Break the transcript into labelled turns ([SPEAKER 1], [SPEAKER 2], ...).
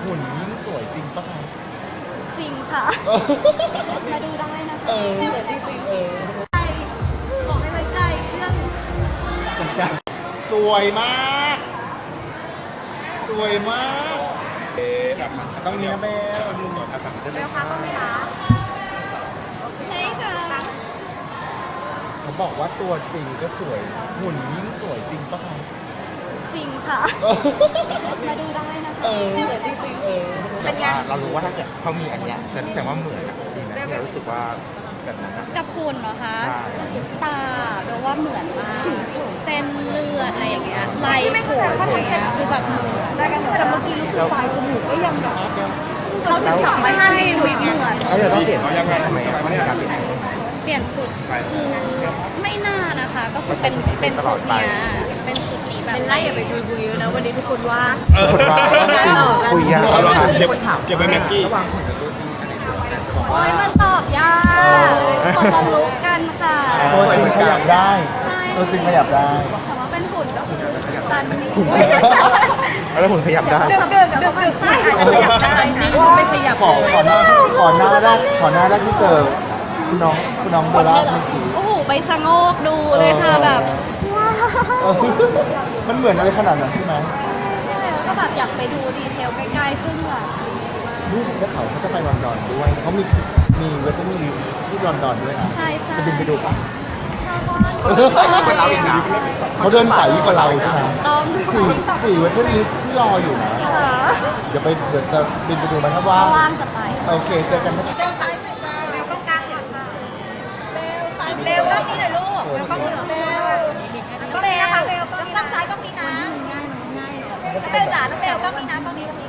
[SPEAKER 1] หุ่นยิ่งสวยจริงปะคะ
[SPEAKER 2] จริงค่ะ มาดูได้นะคะ
[SPEAKER 1] เออ
[SPEAKER 2] เดี๋ยวจริง
[SPEAKER 1] เออ
[SPEAKER 2] ๆใจบอกให้ไว้ใจเรื่อง
[SPEAKER 1] จังสวยมาก สวยมากต้องนี้นะเบลดูหน่อยครับ
[SPEAKER 2] เบลคะต้องไหมคะใช่ค่ะ
[SPEAKER 1] เขาบอกว่าตัวจริงก็สวย หุ่นยิ่งสวยจริงปะคะ
[SPEAKER 2] จริงค่ะ
[SPEAKER 1] เออ
[SPEAKER 2] มาดูได้นะคะ
[SPEAKER 1] เออ
[SPEAKER 2] เดี๋ยวจริง
[SPEAKER 1] เออ
[SPEAKER 3] แต่ว่าเรารู้ว่าถ้าเกิดเขามีอันเนี้ยแสดงว่าเหมือนอะจริงนะที่เรารู้สึกว่าแบบนั้นอะ
[SPEAKER 2] ๆกับคุณเหรอคะ
[SPEAKER 3] ใช่
[SPEAKER 2] ตาเบลว่าเหมือนมากเส้นเลือดอะไรอย่างเงี้ยลายผมอะไรเงี้ยคือแบบเหมือนแต่เมื่อกี้รู้สึกปลายจมูกก็ยังแบบเขาถึงทำไม่ให้เหมือน
[SPEAKER 3] แล้วเราต้องเปลี่ยนยังไงทำไมอะไม่ได้การเปลี่ยน
[SPEAKER 2] เปลี่ยนชุดคือไม่น่านะคะ ก็คือเป็นชุดเนี้ยเป็นชุดนี้แบบ
[SPEAKER 4] เป็นไล่อย่าไปชวนคุยเยอะนะวันนี้ทุกคนว่า
[SPEAKER 3] คนว่าคุยยาก
[SPEAKER 1] เก็บไว้แม็กกี้
[SPEAKER 3] ระหว่างหุ่นกับตัวจริงอันไหนสวยกัน
[SPEAKER 2] โอ้ยมันตอบยากคนละลุกกันค่ะ
[SPEAKER 1] ตัวจริงขยับได้
[SPEAKER 2] ใช่
[SPEAKER 1] ตัวจริงขยับได้
[SPEAKER 2] แต่ว่าเป็นหุ่นก็คือสตันนี่
[SPEAKER 3] แล้วหุ่นขยับได้
[SPEAKER 2] เดินไส้อาจจะขยับได้นะ
[SPEAKER 4] ไม่ขยับ
[SPEAKER 1] ขอหน้าแรกที่เจอคุณน้องโบราณเมื่อกี้
[SPEAKER 2] โอ้โหไปชะโงกดูเลยค่ะแบบว้าว
[SPEAKER 1] เออมันเหมือนอะไรขนาดนั้นใช่ไหม
[SPEAKER 2] ใช่แล้วก็แบบอยากไปดูดีเทลใกล้ๆซึ่งแบบ
[SPEAKER 1] นี่แล้วเขาจะไปลอนดอนด้วยเขามีเวทติ้งลิสต์ที่ลอนดอนด้วยนะ
[SPEAKER 2] ใช่ใช่
[SPEAKER 1] จะบินไปดูปะ
[SPEAKER 3] เราอีกนะ
[SPEAKER 1] เขาเดินสายยิ่งกว่าเราใช่ไหม
[SPEAKER 2] ต้อง
[SPEAKER 1] สี่เวทติ้งลิสต์ที่รออยู่นะ เดี๋ยวจะบินไปดูมันถ้าว่า
[SPEAKER 2] ถ้าว่างจะไป
[SPEAKER 1] โอเคเจอกันนะ
[SPEAKER 2] เบลซ้ายหน่อยจ้าเบลต้องกลางค่ะเบลซ้ายเบลต้องนี้หน่อยลูกเบลต้องนี้เบลต้องนี้นะคะเบลต้องซ้ายต้องนี้นะน้องเบลจ๋าน้องเบลต้องนี้นะต้องนี้